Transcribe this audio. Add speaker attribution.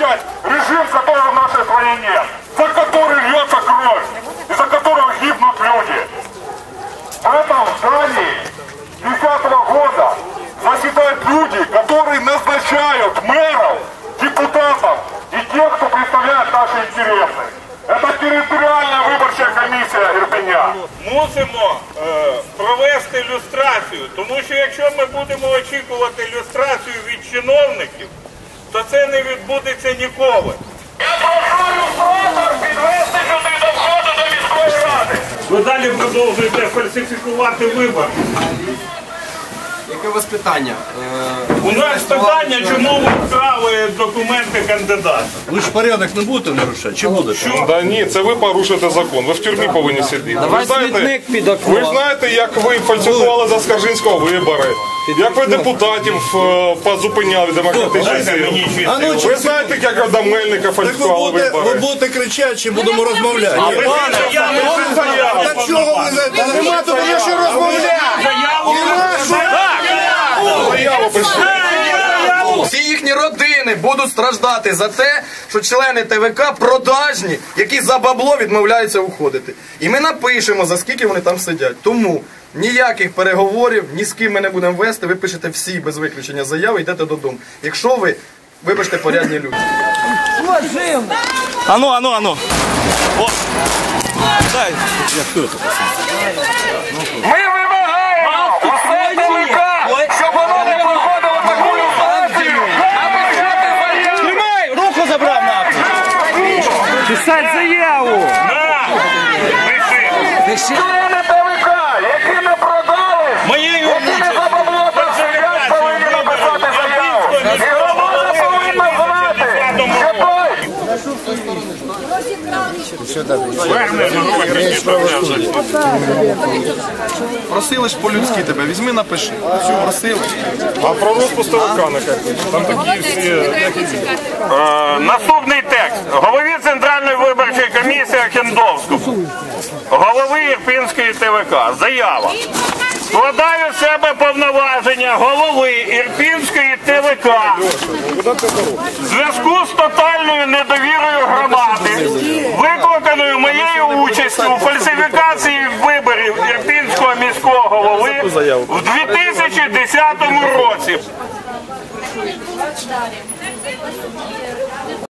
Speaker 1: снять режим, которого в нашей стране нет, за который льется кровь, и за которого гибнут люди. В этом здании 2010 года заседают люди, которые назначают мэров, депутатов и тех, кто представляет наши интересы. Это территориальная выборчая комісія Ірпеня.
Speaker 2: Мусимо провести люстрацію, тому що якщо ми будемо очікувати люстрацію від чиновників, то це не відбудеться ніколи.
Speaker 1: Я прошу люстратор підвести сюди до входу до міської ради.
Speaker 2: Ви далі продовжуєте фальсифікувати вибори.
Speaker 3: Яке у вас питання?
Speaker 2: У нас питання, чому ви вкрали документи кандидата.
Speaker 4: Ви ж порядок не будете нарушати? Чи будете?
Speaker 1: Да ні, це ви порушуєте закон, ви в тюрмі повинні сидіти.
Speaker 5: Давай смітник під окно.
Speaker 1: Ви знаєте, як ви фальсифікували за Скаржинського вибори, як ви депутатів позупиняли демократичні сили. Ви знаєте, як до Мельника фальсифікували
Speaker 4: Ви
Speaker 1: вибори.
Speaker 4: будете кричати, чи будемо розмовляти?
Speaker 1: Та чого ви за... Нема тут є що розмовляти! Заяву прийшли.
Speaker 3: Всі їхні родини будуть страждати за те, що члени ТВК продажні, які за бабло відмовляються уходити. І ми напишемо, за скільки вони там сидять. Тому ніяких переговорів, ні з ким ми не будемо вести, ви пишете всі без виключення заяви, йдете додому. Якщо ви, вибачте, порядні люди.
Speaker 4: Ану. О. Дай. Я хто це?
Speaker 1: Ми вимагаємо усе ТВК, щоб воно не проходило таку люстрацію.
Speaker 5: Тримай! Руку забрав нахуй! Писать заяву!
Speaker 1: Члени ТВК, які не продали, які не за бабло там сидять, повинні написати заяву. І громада повинна знати, що
Speaker 3: Просили ж по-людськи тебе, візьми, напиши. Просили.
Speaker 1: А про розпуск ТВК не кажуть. Там такі всі...
Speaker 2: Наступний текст. Голові Центральної виборчої комісії Охендовському. Голови Ірпінської ТВК. Заява. Складаю з себе повноваження голови Ірпінської ТВК в зв'язку з тотальною недовірою громади, викликаною моєю участю у фальсифікації виборів Ірпінського міського голови в 2010 році.